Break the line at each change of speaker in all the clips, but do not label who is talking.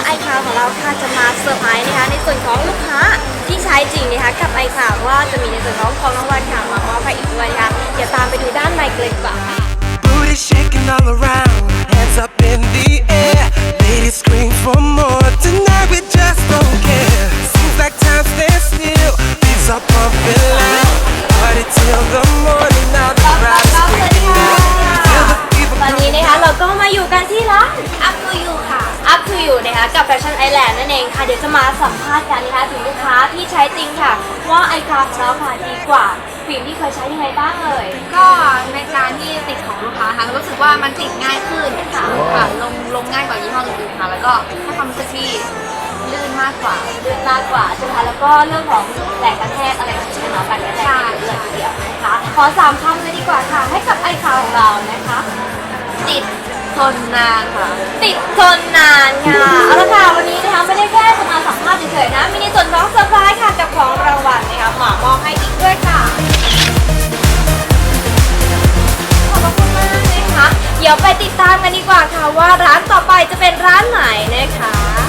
ไอคาวของเราค่ะจะมาเซอร์ไพรส์นะคะในส่วนของลูกค้าที่ใช้จริงนะคะกับไอคาวว่าจะมีในส่วนของรางวัลค่ะมามอบให้อีกด้วยนะคะเดี๋ยวตามไปดูด้านในกันเลยดีกว่าค่ะ
Booty shaking all around, hands up in the air. Ladies scream for more. Tonight we just don't care. Seems like time stands still. Beats are pumping loud. Party till the morning. Now the crowd is screaming. Feel the fever
ตอนนี้นะคะเราก็มาอยู่กันที่ร้าน Up to You ค่ะ Up to You นะคะกับ Fashion Island นั่นเองค่ะเดี๋ยวจะมาสัมภาษณ์กันนะคะถึงลูกค้าที่ใช้จริงค่ะว่าไอคาวของเราค่ะดีกว่าฟิล์มที่เคยใช้ยังไงบ้างเอ่ย
ก็ในการที่ติดของลูกค้าค่ะรู้สึกว่ามันติดง่ายขึ้นค่ะลงง่ายกว่ายี่ห้ออื่นๆค่ะแล้วก็ให้ความรู้สึกที่ลื่นมากกว่า
เลือกมากกว่าใช่ไหมคะแล้วก็เรื่องของแรงกระแทกอะไรต่างๆเนาะการกระแทกเลยทีเดียวนะคะขอ3 คำเลยดีกว่าค่ะให้กับไอคาวของเรานะคะ
ติดทนนานค่ะ
ติดทนนานค่ะเอาละค่ะวันนี้นะคะไม่ได้แค่จะมาสัมภาษณ์เฉยๆนะมีในส่วนของเซอร์ไพรส์ค่ะกับของรางวัลนะคะหมามอบให้อีกด้วยค่ะขอบคุณมากนะคะเดี๋ยวไปติดตามกันดีกว่าค่ะว่าร้านต่อไปจะเป็นร้านไหนนะคะ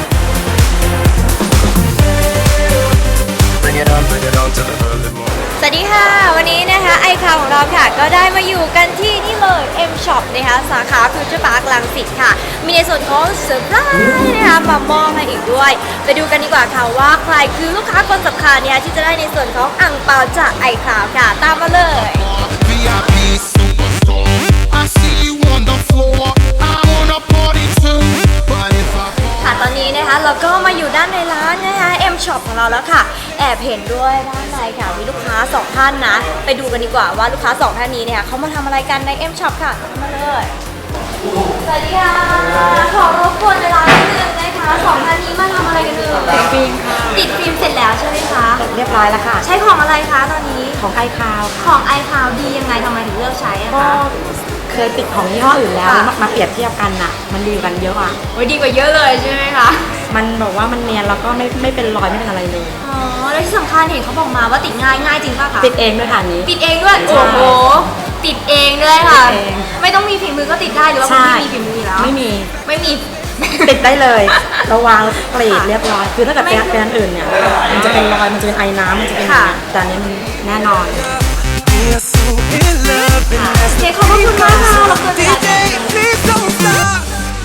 Bring it on to the early morning.
สวัสดีค่ะวันนี้นะคะไอคาวของเราค่ะก็ได้มาอยู่กันที่นี่เลย M Shop นะคะสาขาฟิวเจอร์พาร์ครังสิตค่ะมีในส่วนของเซอร์ไพรส์นะคะมามอบให้อีกด้วยไปดูกันดีกว่าค่ะว่าใครคือลูกค้าคนสำคัญเนี่ยที่จะได้ในส่วนของอั่งเปาจากไอคาวค่ะตามมาเลย
VIP superstar. I see you on the floor. I wanna party too. But if I
ค่ะตอนนี้นะคะเราก็มาอยู่ด้านในร้านนะคะ M Shop ของเราแล้วค่ะแอบเห็นด้วยด้านในค่ะมีลูกค้า2 ท่านนะไปดูกันดีกว่าว่าลูกค้า2 ท่านนี้เนี่ยเขามาทำอะไรกันใน M Shop ค่ะมาเลยสวัสดีค่ะขอรบกวนเวลานิดนึงนะคะ2 ท่านนี้มาทำอะไรกันเอ่ย
ฟิล์มค่ะ
ติดฟิล์มเสร็จแล้วใช่ไหมคะ
เรียบร้อยแล้วค่ะ
ใช้ของอะไรคะตอนนี้
ของไอคาว
ของไอคาวดียังไงทำไมถึงเลือกใช้อะ
ก็
คะ
เคยติดของยี่ห้ออื่นแล้ว
ค่ะ
มาเปรียบเทียบกันน่ะ มันดีกว่ากันเยอะอ่ะ
โอ้ยดีกว่าเยอะเลยใช่ไหมคะ
มันบอกว่ามันเนียนแล้วก็ไม่เป็นรอยไม่เป็นอะไรเลย
อ๋อแล้วที่สำคัญเห็นเขาบอกมาว่าติดง่ายจริงป่ะคะ
ติดเองด้วยค่ะอันนี้
ติดเองด้วย
ใช่
โอ้โหติดเองด้วยค่ะ
ติดเอง
ไม่ต้องมีฝีมือก็ติดได้หรือว่าคุณพี่มีฝีมืออยู่แล้ว
ไม่มี
ไม่มี
ติดได้เลยเราวางกรีดเรียบร้อย คือถ้าเกิดเป็นอันอื่นเนี่ย มันจะเป็นรอย มันจะเป็นไอน้ำมันจะเป็นอย่างเงี้ยแต่อันนี้มันแน่นอน
We are so in love and that's
เจ๊ขอบคุณมากค่ะรบกวนเวลา
DJ, please don't stop.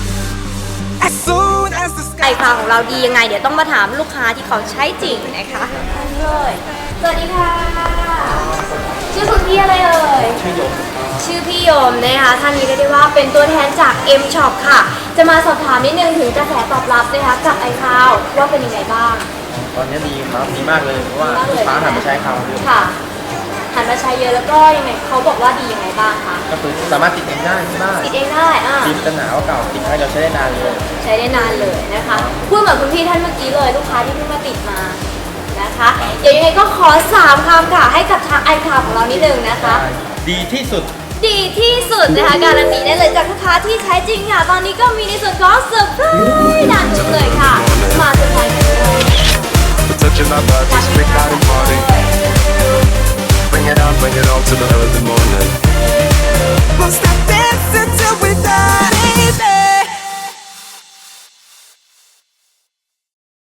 As soon as the
ไอ
sky
ฟาของเราดียังไง เดี๋ยวต้องมาถามลูกค้าที่เขาใช้จริงนะคะเลยสวัสดีค่ะ ชื่อคุณพี่อะไรเอ่ยชื่อพี่ยมนะคะท่านนี้เรียกได้ว่าเป็นตัวแทนจาก M Shop ค่ะ จะมาสอบถามนิดนึงถึงกระแสตอบรับนะคะกับไอคาวว่าเป็นยังไงบ้าง
ตอนนี้ดีครับดีมากเลยเพราะว่า
ดีมากเลย
ลูกค้าหันมาใช้คาวเยอะ
ค่ะหันมาใช้เยอะแล้วก็ยังไงเขาบอกว่าดียังไงบ้างคะ
ก็คือสามารถติดเองได้ที่บ้าน
ติดเองได้
ฟิล์มจะหนาวเก่าติดให้เราใช้ได้นานเลย
ใช้ได้นานเลยนะคะพูดเหมือนคุณพี่ท่านเมื่อกี้เลยลูกค้าที่เพิ่งมาติดมานะคะเดี๋ยวยังไงก็ขอ3 คำค่ะให้กับทางไอคาวของเรานิดนึงนะคะ
ดีที่สุด
ดีที่สุดนะคะการันตีได้เลยจากลูกค้าที่ใช้จริงค่ะตอนนี้ก็มีในส่วนของเซอร์ไพรส์ด้านนู้นเลยค่ะมาเซอร์ไพรส์กันเลย
We're touching my body, straight out and party. Bring it on to the early morning. Won't stop dancing till we die, baby.